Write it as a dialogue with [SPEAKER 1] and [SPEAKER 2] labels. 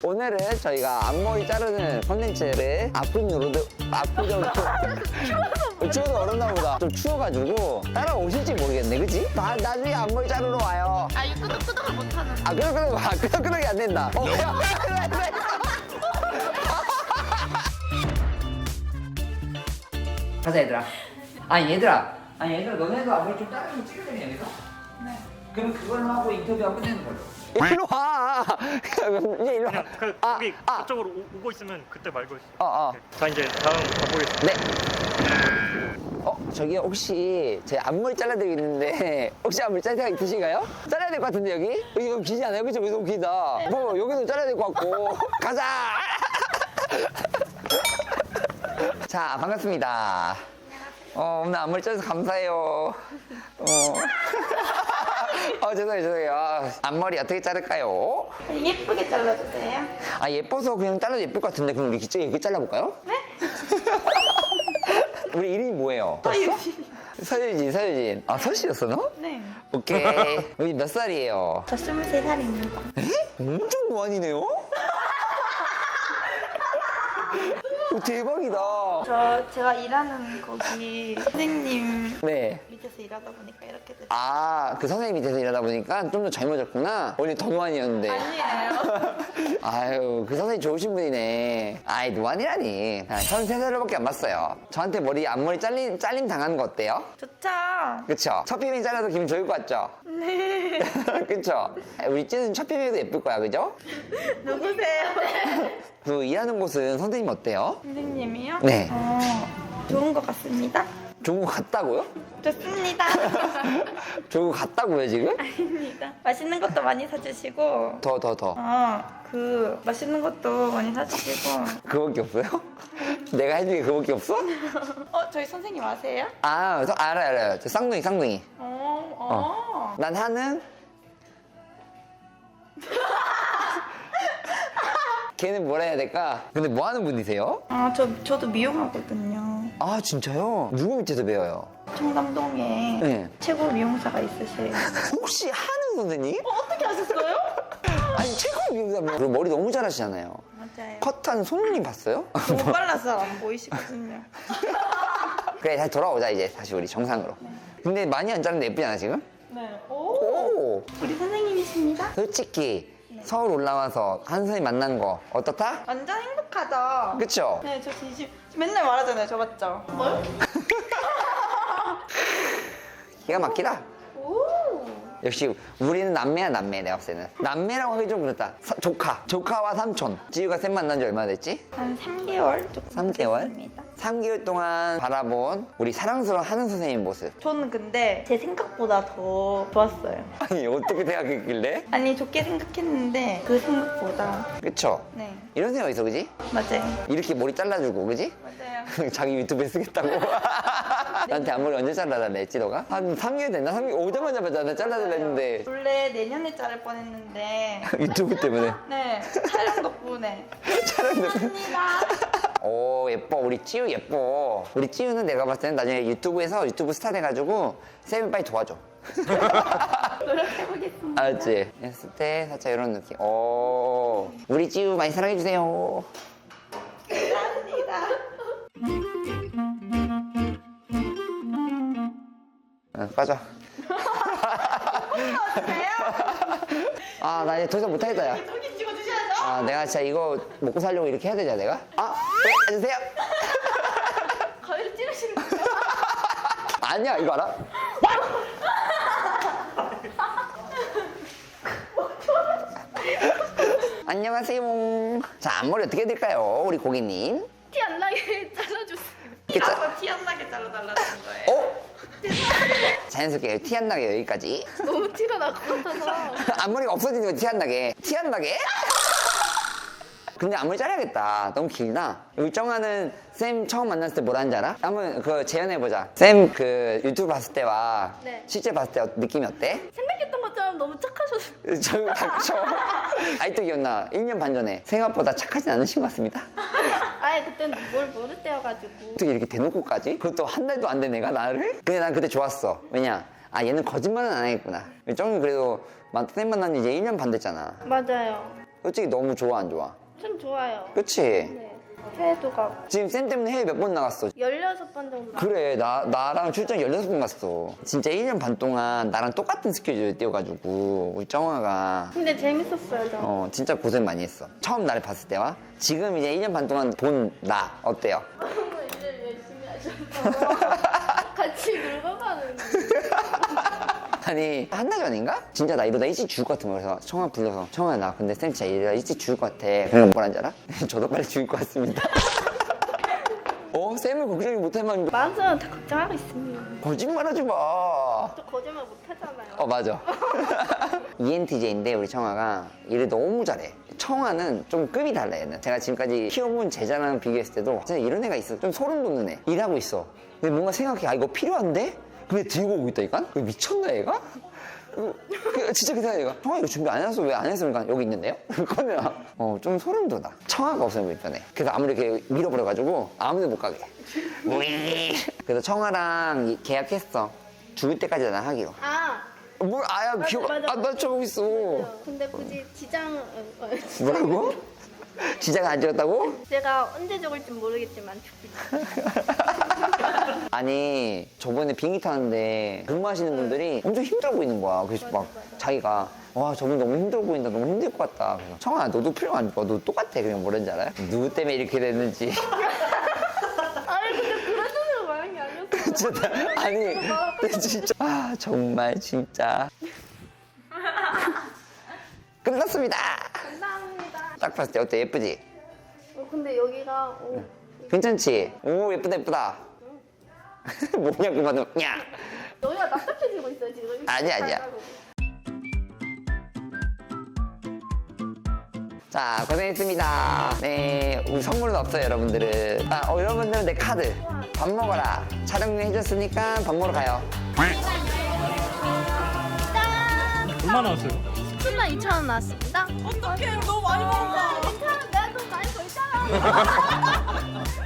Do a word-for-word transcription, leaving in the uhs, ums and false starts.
[SPEAKER 1] 오늘은 저희가 앞머리 자르는 컨텐츠를 아프요로드 아프죠? 추워도 어렵나 보다. 좀 추워가지고 따라오실지 모르겠네, 그치? 나, 나중에 앞머리 자르러 와요.
[SPEAKER 2] 아, 이거 끄덕끄덕을 못하는.
[SPEAKER 1] 아, 끄덕끄덕, 아, 끄덕끄덕이 안 된다. 어, 야, 가자, 얘들아. 아니, 얘들아. 아니, 얘들아, 너네도 앞머리 좀 자르면 찍으면 여기서? 네. 그러면 그걸로 하고 인터뷰하고 끝내는 걸로. 일로 와! 이제 일로 와.
[SPEAKER 3] 그냥 그,
[SPEAKER 1] 아,
[SPEAKER 3] 거기
[SPEAKER 1] 아.
[SPEAKER 3] 그쪽으로 오, 오고 있으면 그때 말고 있어요.
[SPEAKER 1] 어, 어.
[SPEAKER 3] 자 이제 다음 가보겠습니다.
[SPEAKER 1] 네. 어, 저기 혹시 제 앞머리 잘라드리겠는데 혹시 앞머리 자를 생각 있으신가요? 잘라야 될 것 같은데 여기? 여기 너무 기지 않아요? 그쵸? 여기 너무 기다. 뭐 여기도 잘라야 될 것 같고. 가자! 자, 반갑습니다. 어, 오늘 앞머리 잘라서 감사해요. 어. 어, 죄송해요, 죄송해요. 아, 앞머리 어떻게 자를까요?
[SPEAKER 2] 예쁘게 잘라주세요.
[SPEAKER 1] 아, 예뻐서 그냥 잘라도 예쁠 것 같은데 그럼 우리 기째 이렇게 잘라볼까요? 네? 우리 이름이 뭐예요? 서유진, 서유진. 아, 서씨였어, 너?
[SPEAKER 2] 네.
[SPEAKER 1] 오케이. 우리 몇 살이에요?
[SPEAKER 2] 저 스물세 살입니다.
[SPEAKER 1] 엄청 무한이네요? 오, 대박이다.
[SPEAKER 2] 저 제가 일하는 거기 선생님
[SPEAKER 1] 네.
[SPEAKER 2] 밑에서 일하다 보니까 이렇게 됐어요.
[SPEAKER 1] 아, 그 선생님 밑에서 일하다 보니까 좀 더 젊어졌구나. 원래 더 무한이었는데.
[SPEAKER 2] 아니에요.
[SPEAKER 1] 아유, 그 선생님 좋으신 분이네. 아이, 노안이라니. 서른세 살밖에 안 봤어요. 저한테 머리, 앞머리 잘림, 잘림 당하는 거 어때요?
[SPEAKER 2] 좋죠.
[SPEAKER 1] 그쵸? 첫 비밀 잘라도 기분 좋을 것 같죠?
[SPEAKER 2] 네.
[SPEAKER 1] 그쵸? 우리 찌는 첫 비밀도 예쁠 거야, 그죠?
[SPEAKER 2] 누구세요?
[SPEAKER 1] 그 일하는 곳은 선생님 어때요?
[SPEAKER 2] 선생님이요?
[SPEAKER 1] 네.
[SPEAKER 2] 어, 좋은 것 같습니다.
[SPEAKER 1] 좋은 거 같다고요?
[SPEAKER 2] 좋습니다.
[SPEAKER 1] 좋은 거 같다고요, 지금?
[SPEAKER 2] 아닙니다. 맛있는 것도 많이 사주시고,
[SPEAKER 1] 더, 더, 더.
[SPEAKER 2] 어, 그 맛있는 것도 많이 사주시고.
[SPEAKER 1] 그거밖에 없어요? 내가 해준 게 그거밖에 없어?
[SPEAKER 2] 어, 저희 선생님 아세요?
[SPEAKER 1] 아, 저 알아요, 알아요. 저 쌍둥이, 쌍둥이.
[SPEAKER 2] 어, 어.
[SPEAKER 1] 난 하는 걔는 뭐라 해야 될까? 근데 뭐 하는 분이세요?
[SPEAKER 2] 아, 저, 저도 미용하거든요.
[SPEAKER 1] 아, 진짜요? 누구 밑에서 배워요?
[SPEAKER 2] 청담동에
[SPEAKER 1] 네.
[SPEAKER 2] 최고 미용사가 있으세요.
[SPEAKER 1] 혹시 하는 선생님?
[SPEAKER 2] 어, 어떻게 아셨어요?
[SPEAKER 1] 아니, 최고 미용사면 그리고 머리 너무 잘하시잖아요.
[SPEAKER 2] 맞아요.
[SPEAKER 1] 컷한 손님 봤어요?
[SPEAKER 2] 너무 빨라서 안 보이시거든요.
[SPEAKER 1] 그래, 다시 돌아오자, 이제. 다시 우리 정상으로. 근데 많이 안 자른데 예쁘지 않아, 지금?
[SPEAKER 2] 네. 오.
[SPEAKER 1] 오!
[SPEAKER 2] 우리 선생님이십니다.
[SPEAKER 1] 솔직히 서울 올라와서 한 선생님 만난 거 어떻다?
[SPEAKER 2] 완전 행복하죠?
[SPEAKER 1] 그쵸?
[SPEAKER 2] 네, 저 진심 맨날 말하잖아요. 저 맞죠? 뭘?
[SPEAKER 1] 기가 막히다.
[SPEAKER 2] 오.
[SPEAKER 1] 역시 우리는 남매야, 남매. 내가 봤을 때는 남매라고 하기 좀 그렇다. 사- 조카 조카와 삼촌. 지우가 쌤 만난 지 얼마나 됐지?
[SPEAKER 2] 한 삼 개월 조금
[SPEAKER 1] 삼 개월?
[SPEAKER 2] 됐습니다.
[SPEAKER 1] 삼 개월 동안 바라본 우리 사랑스러운 하는 선생님 모습.
[SPEAKER 2] 저는 근데 제 생각보다 더 좋았어요.
[SPEAKER 1] 아니, 어떻게 생각했길래?
[SPEAKER 2] 아니, 좋게 생각했는데 그 생각보다.
[SPEAKER 1] 그쵸?
[SPEAKER 2] 네,
[SPEAKER 1] 이런 생각 있어, 그지?
[SPEAKER 2] 맞아요.
[SPEAKER 1] 이렇게 머리 잘라주고, 그지?
[SPEAKER 2] 맞아요.
[SPEAKER 1] 자기 유튜브에 쓰겠다고. 나한테 앞머리 언제 잘라달래 했지, 너가? 한 삼 개월 됐나? 삼 개월 오자마자 나 잘라달라 했는데.
[SPEAKER 2] 원래 내년에 자를 뻔했는데
[SPEAKER 1] 유튜브 때문에.
[SPEAKER 2] 네, 촬영 덕분에.
[SPEAKER 1] 촬영 덕분에.
[SPEAKER 2] 감사합니다.
[SPEAKER 1] 오, 예뻐. 우리 찌우 예뻐. 우리 찌우는 내가 봤을 때는 나중에 유튜브에서 유튜브 스타 돼가지고 쌤이 빨리 도와줘.
[SPEAKER 2] 노력해보겠습니다.
[SPEAKER 1] 알았지? 했을 때 살짝 이런 느낌. 오, 우리 찌우 많이 사랑해주세요.
[SPEAKER 2] 감사합니다.
[SPEAKER 1] 응, 빠져. 아, 나 이제 더 이상 못하겠다, 야.
[SPEAKER 2] 저기 찍어주셔야죠.
[SPEAKER 1] 아, 내가 진짜 이거 먹고 살려고 이렇게 해야 되냐, 내가? 아, 네, 앉으세요.
[SPEAKER 2] 가위로 찌르시는 거예요?
[SPEAKER 1] 아니야, 이거 알아? 안녕하세요. 자, 앞머리 어떻게 해야 될까요, 우리 고객님?
[SPEAKER 2] 티 안 나게 잘라주세요.
[SPEAKER 1] 이렇게 짜-
[SPEAKER 2] 나서 티 안 나게 잘라달라는 거예요.
[SPEAKER 1] 어? 자연스럽게 티 안 나게 여기까지.
[SPEAKER 2] 너무 티가 날 것 같아서.
[SPEAKER 1] 앞머리가 없어지는 거 티 안 나게. 티 안 나게? 근데 앞머리 자르야겠다. 너무 길다. 여기 정하는 쌤 처음 만났을 때 뭐라는지 알아? 한번 그 재현해보자. 쌤 그 유튜브 봤을 때와
[SPEAKER 2] 네.
[SPEAKER 1] 실제 봤을 때 느낌이 어때?
[SPEAKER 2] 생각했던 것처럼 너무 착하셨어요.
[SPEAKER 1] 저 닥쳐. 아직도 기억나. 일 년 반 전에. 생각보다 착하진 않으신 것 같습니다.
[SPEAKER 2] 아예 그때는 뭘 모를 때여가지고.
[SPEAKER 1] 어떻게 이렇게 대놓고까지? 그것도 한 달도 안 된 애가 나를? 근데 난 그때 좋았어. 왜냐? 아, 얘는 거짓말은 안 하겠구나. 정이 그래도 쌤 만난 지 이제 일 년 반 됐잖아.
[SPEAKER 2] 맞아요.
[SPEAKER 1] 솔직히 너무 좋아 안 좋아?
[SPEAKER 2] 좀 좋아요.
[SPEAKER 1] 그치?
[SPEAKER 2] 네. 해외도 가고.
[SPEAKER 1] 지금 쌤 때문에 해외 몇 번 나갔어?
[SPEAKER 2] 열여섯 번 정도.
[SPEAKER 1] 그래 나, 나랑 출장 열여섯 번 갔어. 진짜 일 년 반 동안 나랑 똑같은 스케줄 뛰어가지고 우리 정화가
[SPEAKER 2] 근데 재밌었어요, 저.
[SPEAKER 1] 어 진짜 고생 많이 했어. 처음 나를 봤을 때와 지금 이제 일 년 반 동안 본 나 어때요?
[SPEAKER 2] 너무 일 열심히 하셔서 같이 늙어가는.
[SPEAKER 1] 아니 한 달 전인가? 진짜 나 이러다 일찍 죽을 것 같은 거야. 그래서 청아 불러서 청아 나 근데 쌤 진짜 이러다 일찍 죽을 것 같아. 그럼 뭐라는 줄 알아? 저도 빨리 죽을 것 같습니다. 어? 쌤을 걱정이 못할 만큼
[SPEAKER 2] 맞아요, 다 걱정하고 있습니다.
[SPEAKER 1] 거짓말하지 마.
[SPEAKER 2] 저 거짓말 못하잖아요.
[SPEAKER 1] 어 맞아. 이엔티제이인데 우리 청아가 일을 너무 잘해. 청아는 좀 급이 달라 얘는. 제가 지금까지 키워본 제자랑 비교했을 때도 진짜 이런 애가 있어. 좀 소름 돋는 애. 일하고 있어. 근데 뭔가 생각해. 아 이거 필요한데? 근데 들고 오고 있다니까? 이거 미쳤나 얘가? 그, 그, 진짜 그 생각이 가 청아 이거 준비 안 해서 왜 안 했으니까 여기 있는데요? 그러면 어, 좀 소름 돋아. 청아가 없으면 불편해. 그래서 아무리 이렇게 밀어버려가지고 아무데 못 가게. 우이. 그래서 청아랑 이- 계약했어. 죽을 때까지 나 하기로.
[SPEAKER 2] 아,
[SPEAKER 1] 뭘 아야
[SPEAKER 2] 맞아,
[SPEAKER 1] 기억
[SPEAKER 2] 맞아.
[SPEAKER 1] 안 맞춰보고 있어.
[SPEAKER 2] 근데 굳이 지장, 어, 어,
[SPEAKER 1] 뭐라고? 지장 안 찍었다고?
[SPEAKER 2] 제가 언제 죽을지 모르겠지만 죽겠다.
[SPEAKER 1] 아니 저번에 비행기 타는데 근무하시는 분들이 엄청 힘들어 보이는 거야. 그래서 막 자기가 와 저분 너무 힘들어 보인다. 너무 힘들 것 같다. 그래서 청아 너도 필요 안 줘. 너 똑같아. 그냥 뭐라는지 알아요? 누구 때문에 이렇게 됐는지.
[SPEAKER 2] 아니 근데 그런 뜻으로 말한 게 아니었어.
[SPEAKER 1] 진짜 나- 아니 진짜 아 정말 진짜 끝났습니다.
[SPEAKER 2] 감사합니다.
[SPEAKER 1] 딱 봤을 때 어때? 예쁘지?
[SPEAKER 2] 어, 근데 여기가 어,
[SPEAKER 1] 괜찮지? 오 예쁘다 예쁘다. 뭐냐고 봐도 야
[SPEAKER 2] 여기가 납작해지고 있어요 지금.
[SPEAKER 1] 아니야, 아니야. 자 고생했습니다. 네 우리 선물은 없어요 여러분들은. 아, 어, 여러분들은 내 카드 밥 먹어라 촬영 해줬으니까 밥 먹으러 가요.
[SPEAKER 3] 얼마 나왔어요?
[SPEAKER 2] 십칠만 이천 원 나왔습니다.
[SPEAKER 4] 어떡해 너무 많이 먹었다.
[SPEAKER 2] 괜찮아, 내가 돈 많이 벌잖아.